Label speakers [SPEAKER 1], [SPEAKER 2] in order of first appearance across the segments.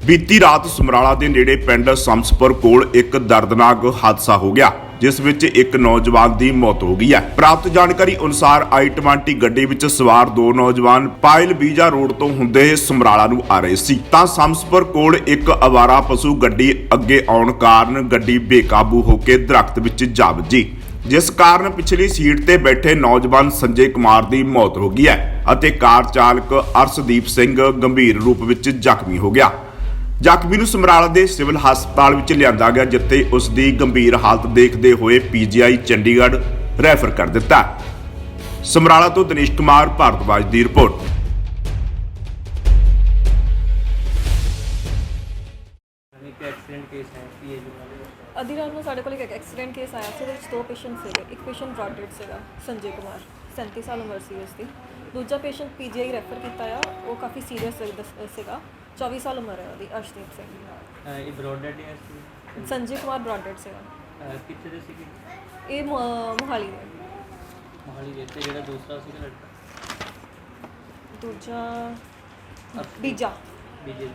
[SPEAKER 1] ਬੀਤੀ ਰਾਤ ਸਮਰਾਲਾ ਦੇ ਨੇੜੇ ਪਿੰਡ ਸੰਸਪੁਰ ਕੋਲ ਇੱਕ ਦਰਦਨਾਕ ਹਾਦਸਾ ਹੋ ਗਿਆ, ਜਿਸ ਵਿੱਚ ਇੱਕ ਨੌਜਵਾਨ ਦੀ ਮੌਤ ਹੋ ਗਈ ਹੈ। ਪ੍ਰਾਪਤ ਜਾਣਕਾਰੀ ਅਨੁਸਾਰ i20 ਗੱਡੀ ਵਿੱਚ ਸਵਾਰ ਦੋ ਨੌਜਵਾਨ ਪਾਇਲ ਬੀਜਾ ਰੋਡ ਤੋਂ ਹੁੰਦੇ ਸਮਰਾਲਾ ਨੂੰ ਆ ਰਹੇ ਸੀ ਤਾਂ ਸੰਸਪੁਰ ਕੋਲ ਇੱਕ ਅਵਾਰਾ ਪਸ਼ੂ ਗੱਡੀ ਅੱਗੇ ਆਉਣ ਕਾਰਨ ਗੱਡੀ ਬੇਕਾਬੂ ਹੋ ਕੇ ਦਰਖਤ ਵਿੱਚ ਜਾ ਵੱਜੀ, ਜਿਸ ਕਾਰਨ ਪਿਛਲੀ ਸੀਟ ਤੇ ਬੈਠੇ ਨੌਜਵਾਨ ਸੰਜੇ ਕੁਮਾਰ ਦੀ ਮੌਤ ਹੋ ਗਈ ਹੈ ਅਤੇ ਕਾਰ ਚਾਲਕ ਅਰਸ਼ਦੀਪ ਸਿੰਘ ਗੰਭੀਰ ਰੂਪ ਵਿੱਚ ਜ਼ਖਮੀ ਹੋ ਗਿਆ। ਜ਼ਖਮੀ ਨੂੰ ਸਮਰਾਲਾ ਦੇ ਸਿਵਲ ਹਸਪਤਾਲ ਵਿੱਚ ਲਿਆਂਦਾ ਗਿਆ, ਜਿੱਥੇ ਉਸ ਦੀ ਗੰਭੀਰ ਹਾਲਤ ਦੇਖਦੇ ਹੋਏ ਪੀਜੀਆਈ ਚੰਡੀਗੜ੍ਹ ਰੈਫਰ ਕਰ ਦਿੱਤਾ। ਸਮਰਾਲਾ ਤੋਂ ਦਿਨੇਸ਼ ਕੁਮਾਰ ਭਾਰਤਵਾਜ ਦੀ ਰਿਪੋਰਟ।
[SPEAKER 2] ਅੱਧੀ ਰਾਤ ਨੂੰ ਸਾਡੇ ਕੋਲ ਇੱਕ ਐਕਸੀਡੈਂਟ ਕੇਸ ਆਇਆ ਸੀ। ਉਹਦੇ ਵਿੱਚ ਦੋ ਪੇਸ਼ੈਂਟ ਸੀਗੇ। ਇੱਕ ਪੇਸ਼ੈਂਟ ਬ੍ਰੌਡ ਡੈਡ ਸੀਗਾ, ਸੰਜੇ ਕੁਮਾਰ 37 ਸਾਲ ਉਮਰ ਸੀ ਉਸਦੀ। ਦੂਜਾ ਪੇਸ਼ੈਂਟ ਪੀਜੀਆਈ ਰੈਫਰ ਕੀਤਾ ਆ, ਉਹ ਕਾਫੀ ਸੀਰੀਅਸ ਸੀਗਾ, 24 ਸਾਲ ਉਮਰ ਹੈ ਉਹਦੀ, ਅਰਸ਼ਦੀਪ ਸਿੰਘ।
[SPEAKER 3] ਇਹ ਬ੍ਰੌਡ ਡੈਡ ਹੈ
[SPEAKER 2] ਸੰਜੇ ਕੁਮਾਰ ਬ੍ਰੌਡ ਡੈਡ ਸੀਗਾ।
[SPEAKER 3] ਕਿੱਥੇ ਦੇ ਸੀਗੇ?
[SPEAKER 2] ਇਹ ਮੋਹਾਲੀ ਦੇ।
[SPEAKER 3] ਮੋਹਾਲੀ ਦੇ। ਤੇ ਜਿਹੜਾ ਦੂਸਰਾ ਸੀਗਾ ਲੜਕਾ
[SPEAKER 2] ਦੂਜਾ ਬੀਜਾ
[SPEAKER 3] ਬੀਜੇ।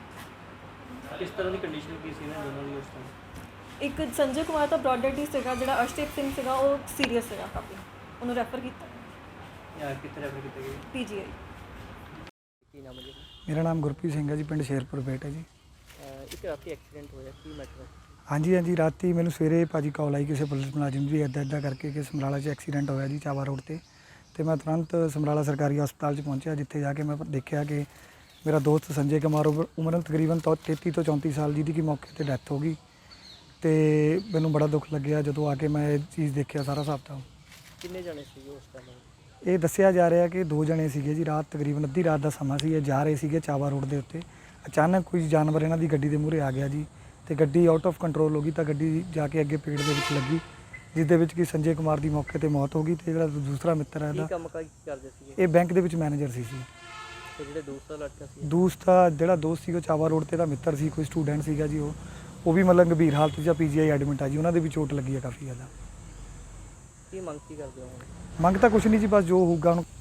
[SPEAKER 3] ਕਿਸ ਤਰ੍ਹਾਂ ਦੀ ਕੰਡੀਸ਼ਨ ਕੀ ਸੀ ਨਾ ਦੋਨਾਂ ਦੀ ਉਸ ਟਾਈਮ?
[SPEAKER 2] ਇੱਕ ਸੰਜੇ ਕੁਮਾਰ ਤਾਂ ਬ੍ਰੌਡ ਡੈਡ ਹੀ ਸੀਗਾ, ਜਿਹੜਾ ਅਰਸ਼ਦੀਪ ਸਿੰਘ ਸੀਗਾ ਉਹ ਸੀਰੀਅਸ ਸੀਗਾ ਕਾਫੀ, ਉਹਨੂੰ ਰੈਫਰ ਕੀਤਾ।
[SPEAKER 3] ਕਿੱਥੇ ਰੈਫਰ ਕੀਤਾ ਗਿਆ?
[SPEAKER 2] ਪੀਜੀਆਈ।
[SPEAKER 3] ਕੀ ਨਾਮ ਹੈ ਜੀ?
[SPEAKER 4] ਮੇਰਾ ਨਾਮ ਗੁਰਪ੍ਰੀਤ ਸਿੰਘ ਹੈ ਜੀ, ਪਿੰਡ ਸ਼ੇਰਪੁਰ ਬੇਟ ਹੈ ਜੀ।
[SPEAKER 3] ਇੱਕ ਰਾਤੀ ਐਕਸੀਡੈਂਟ ਹੋਇਆ, ਕੀ ਮੈਟਰ ਹੈ?
[SPEAKER 4] ਹਾਂਜੀ ਰਾਤੀ ਮੈਨੂੰ ਸਵੇਰੇ ਭਾਜੀ ਕਾਲ ਆਈ ਕਿਸੇ ਪੁਲਿਸ ਮੁਲਾਜ਼ਮ ਦੀ ਇੱਦਾਂ ਕਰਕੇ ਕਿ ਸਮਰਾਲਾ 'ਚ ਐਕਸੀਡੈਂਟ ਹੋਇਆ ਜੀ ਚਾਵਾ ਰੋਡ ਤੇ ਮੈਂ ਤੁਰੰਤ ਸਮਰਾਲਾ ਸਰਕਾਰੀ ਹਸਪਤਾਲ 'ਚ ਪਹੁੰਚਿਆ, ਜਿੱਥੇ ਜਾ ਕੇ ਮੈਂ ਦੇਖਿਆ ਕਿ ਮੇਰਾ ਦੋਸਤ ਸੰਜੇ ਕੁਮਾਰ ਉਮਰ ਤਕਰੀਬਨ 33 ਤੋਂ 34 ਸਾਲ, ਜਿਹਦੀ ਕਿ ਮੌਕੇ 'ਤੇ ਡੈਥ ਹੋ ਗਈ। ਤੇ ਮੈਨੂੰ ਬੜਾ ਦੁੱਖ ਲੱਗਿਆ ਜਦੋਂ ਆ ਕੇ ਮੈਂ ਇਹ ਚੀਜ਼ ਦੇਖਿਆ ਸਾਰਾ ਹਿਸਾਬ ਤਾਂ।
[SPEAKER 3] ਕਿੰਨੇ ਜਣੇ ਸੀਗੇ ਉਸ ਟਾਈਮ?
[SPEAKER 4] ਇਹ ਦੱਸਿਆ ਜਾ ਰਿਹਾ ਕਿ 2 ਜਣੇ ਸੀਗੇ ਜੀ। ਰਾਤ ਤਕਰੀਬਨ ਅੱਧੀ ਰਾਤ ਦਾ ਸਮਾਂ ਸੀ, ਇਹ ਜਾ ਰਹੇ ਸੀਗੇ ਚਾਵਾ ਰੋਡ ਦੇ ਉੱਤੇ। ਅਚਾਨਕ ਕੋਈ ਜਾਨਵਰ ਇਹਨਾਂ ਦੀ ਗੱਡੀ ਦੇ ਮੂਹਰੇ ਆ ਗਿਆ ਜੀ, ਤੇ ਗੱਡੀ ਆਊਟ ਆਫ ਕੰਟਰੋਲ ਹੋ ਗਈ ਤਾਂ ਗੱਡੀ ਜਾ ਕੇ ਅੱਗੇ ਪੇੜ ਦੇ ਵਿੱਚ ਲੱਗੀ, ਜਿਸ ਦੇ ਵਿੱਚ ਕਿ ਸੰਜੇ ਕੁਮਾਰ ਦੀ ਮੌਕੇ ਤੇ ਮੌਤ ਹੋ ਗਈ। ਤੇ ਜਿਹੜਾ ਦੂਸਰਾ ਮਿੱਤਰ ਹੈ ਇਹਦਾ,
[SPEAKER 3] ਕੰਮ ਕਰਦੇ ਸੀਗੇ?
[SPEAKER 4] ਇਹ ਬੈਂਕ ਦੇ ਵਿੱਚ ਮੈਨੇਜਰ ਸੀ।
[SPEAKER 3] ਤੇ ਜਿਹੜਾ ਦੂਸਰਾ ਲੜਕਾ ਸੀ?
[SPEAKER 4] ਦੂਸਰਾ ਜਿਹੜਾ ਦੋਸਤ ਸੀ ਉਹ ਚਾਵਾ ਰੋਡ ਤੇ ਦਾ ਮਿੱਤਰ ਸੀ, ਕੋਈ ਸਟੂਡੈਂਟ ਸੀਗਾ ਜੀ। ਉਹ ਵੀ ਮਤਲਬ ਗੰਭੀਰ ਹਾਲਤ 'ਚ ਪੀਜੀਆਈ ਐਡਮਿਟ ਆ ਜੀ, ਉਹਨਾਂ ਦੇ ਵੀ ਚੋਟ ਲੱਗੀ ਹੈ ਕਾਫੀ ਜ਼ਿਆਦਾ।
[SPEAKER 3] ਕੀ ਮੰਗ ਕੀ ਕਰਦੇ ਹੋ?
[SPEAKER 4] ਮੰਗ ਤਾਂ ਕੁਛ ਨਹੀਂ ਜੀ, ਬਸ ਜੋ ਹੋਊਗਾ ਹੁਣ।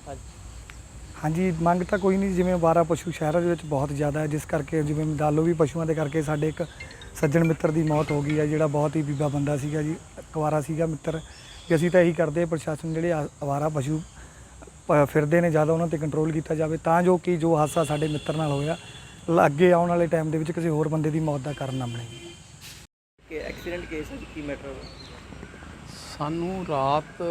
[SPEAKER 4] ਹਾਂਜੀ ਮੰਗ ਤਾਂ ਕੋਈ ਨਹੀਂ, ਜਿਵੇਂ ਅਵਾਰਾ ਪਸ਼ੂ ਸ਼ਹਿਰਾਂ ਦੇ ਵਿੱਚ ਬਹੁਤ ਜ਼ਿਆਦਾ ਹੈ, ਜਿਸ ਕਰਕੇ ਜਿਵੇਂ ਦਾਲੋ ਵੀ ਪਸ਼ੂਆਂ ਦੇ ਕਰਕੇ ਸਾਡੇ ਇੱਕ ਸੱਜਣ ਮਿੱਤਰ ਦੀ ਮੌਤ ਹੋ ਗਈ ਹੈ, ਜਿਹੜਾ ਬਹੁਤ ਹੀ ਬੀਬਾ ਬੰਦਾ ਸੀਗਾ ਜੀ, ਕੁਆਰਾ ਸੀਗਾ ਮਿੱਤਰ। ਕਿ ਅਸੀਂ ਤਾਂ ਇਹੀ ਕਰਦੇ ਪ੍ਰਸ਼ਾਸਨ ਜਿਹੜੇ ਅਵਾਰਾ ਪਸ਼ੂ ਫਿਰਦੇ ਨੇ ਜ਼ਿਆਦਾ, ਉਹਨਾਂ 'ਤੇ ਕੰਟਰੋਲ ਕੀਤਾ ਜਾਵੇ, ਤਾਂ ਜੋ ਕਿ ਜੋ ਹਾਦਸਾ ਸਾਡੇ ਮਿੱਤਰ ਨਾਲ ਹੋਇਆ ਅੱਗੇ ਆਉਣ ਵਾਲੇ ਟਾਈਮ ਦੇ ਵਿੱਚ ਕਿਸੇ ਹੋਰ ਬੰਦੇ ਦੀ ਮੌਤ ਦਾ ਕਾਰਨ ਨਾ ਬਣੇ।
[SPEAKER 3] ਕਿ ਐਕਸੀਡੈਂਟ ਕੇਸ ਹੈ, ਕੀ ਮੈਟਰ?
[SPEAKER 5] ਸਾਨੂੰ ਰਾਤ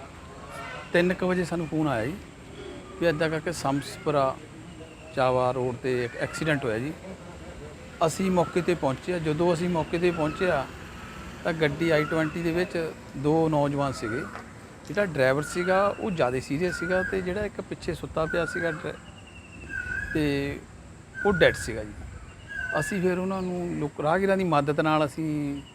[SPEAKER 5] 3 ਵਜੇ ਸਾਨੂੰ ਫੋਨ ਆਇਆ ਜੀ ਵੀ ਇੱਦਾਂ ਕਰਕੇ ਸੰਸਪੁਰਾ ਚਾਵਾ ਰੋਡ ਤੇ ਇੱਕ ਐਕਸੀਡੈਂਟ ਹੋਇਆ ਜੀ। ਅਸੀਂ ਮੌਕੇ ਤੇ ਪਹੁੰਚੇ। ਜਦੋਂ ਅਸੀਂ ਮੌਕੇ ਤੇ ਪਹੁੰਚਿਆ ਤਾਂ ਗੱਡੀ i20 ਦੇ ਵਿੱਚ 2 ਨੌਜਵਾਨ ਸੀਗੇ। ਜਿਹੜਾ ਡਰਾਈਵਰ ਸੀਗਾ ਉਹ ਜ਼ਿਆਦਾ ਸੀਰੀਅਸ ਸੀਗਾ, ਤੇ ਜਿਹੜਾ ਇੱਕ ਪਿੱਛੇ ਸੁੱਤਾ ਪਿਆ ਸੀਗਾ ਤੇ ਉਹ ਡੈਡ ਸੀਗਾ ਜੀ। ਅਸੀਂ ਫਿਰ ਉਹਨਾਂ ਨੂੰ ਰਾਹਗੀਰਾਂ ਦੀ ਮਦਦ ਨਾਲ ਅਸੀਂ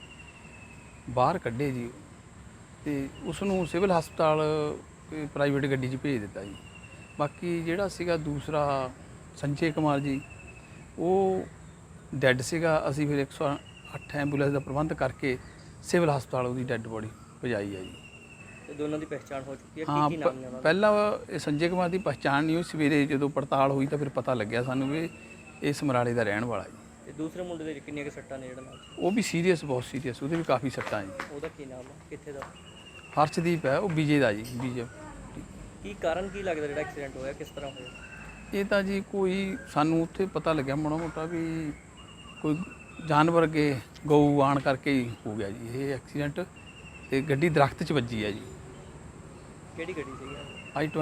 [SPEAKER 5] ਬਾਹਰ ਕੱਢੇ ਜੀ, ਤੇ ਉਸ ਨੂੰ ਸਿਵਲ ਹਸਪਤਾਲ ਪ੍ਰਾਈਵੇਟ ਗੱਡੀ 'ਚ ਭੇਜ ਦਿੱਤਾ ਜੀ। ਬਾਕੀ ਜਿਹੜਾ ਸੀਗਾ ਦੂਸਰਾ ਸੰਜੇ ਕੁਮਾਰ ਜੀ, ਉਹ ਡੈਡ ਸੀਗਾ। ਅਸੀਂ ਫਿਰ 108 ਐਂਬੂਲੈਂਸ ਦਾ ਪ੍ਰਬੰਧ ਕਰਕੇ ਸਿਵਲ ਹਸਪਤਾਲ ਉਹਦੀ ਡੈਡ ਬੋਡੀ ਪਹੁੰਚਾਈ ਹੈ ਜੀ।
[SPEAKER 3] ਤੇ ਦੋਨਾਂ ਦੀ ਪਹਿਚਾਣ ਹੋ ਚੁੱਕੀ ਹੈ?
[SPEAKER 5] ਹਾਂ,
[SPEAKER 3] ਕੀ ਨਾਮ ਨੇ ਉਹਨਾਂ ਦੇ?
[SPEAKER 5] ਪਹਿਲਾਂ ਇਹ ਸੰਜੇ ਕੁਮਾਰ ਦੀ ਪਹਿਚਾਣ ਨਹੀਂ ਹੋਈ। ਸਵੇਰੇ ਜਦੋਂ ਪੜਤਾਲ ਹੋਈ ਤਾਂ ਫਿਰ ਪਤਾ ਲੱਗਿਆ ਸਾਨੂੰ ਵੀ ਇਹ ਸਮਰਾਲੇ ਦਾ ਰਹਿਣ ਵਾਲਾ ਜੀ।
[SPEAKER 3] ਤੇ ਦੂਸਰੇ ਮੁੰਡੇ ਦੇ ਕਿੰਨੀਆਂ ਕੁ ਸੱਟਾਂ ਨੇ ਜਿਹੜਾ ਨਾਲ?
[SPEAKER 5] ਉਹ ਵੀ ਸੀਰੀਅਸ, ਬਹੁਤ ਸੀਰੀਅਸ, ਉਹਦੇ ਵੀ ਕਾਫੀ ਸੱਟਾਂ ਜੀ।
[SPEAKER 3] ਉਹਦਾ ਕੀ ਨਾਮ ਹੈ, ਕਿੱਥੇ ਦਾ?
[SPEAKER 5] ਹਰਸ਼ਦੀਪ ਹੈ, ਉਹ ਬੀਜੇ ਦਾ ਜੀ, ਬੀਜੇ।
[SPEAKER 3] ਕੀ ਕਾਰਨ ਕੀ ਲੱਗਦਾ ਜਿਹੜਾ ਐਕਸੀਡੈਂਟ ਹੋਇਆ, ਕਿਸ ਤਰ੍ਹਾਂ ਹੋਇਆ?
[SPEAKER 5] ਇਹ ਤਾਂ ਜੀ ਕੋਈ ਸਾਨੂੰ ਉੱਥੇ ਪਤਾ ਲੱਗਿਆ ਮਾੜਾ ਮੋਟਾ ਵੀ ਕੋਈ ਜਾਨਵਰ ਅੱਗੇ ਗਊ ਆਉਣ ਕਰਕੇ ਹੀ ਹੋ ਗਿਆ ਜੀ ਇਹ ਐਕਸੀਡੈਂਟ, ਤੇ ਗੱਡੀ ਦਰਖਤ 'ਚ ਵੱਜੀ ਹੈ ਜੀ।
[SPEAKER 3] ਕਿਹੜੀ ਗੱਡੀ ਸੀਗੀ?
[SPEAKER 5] i20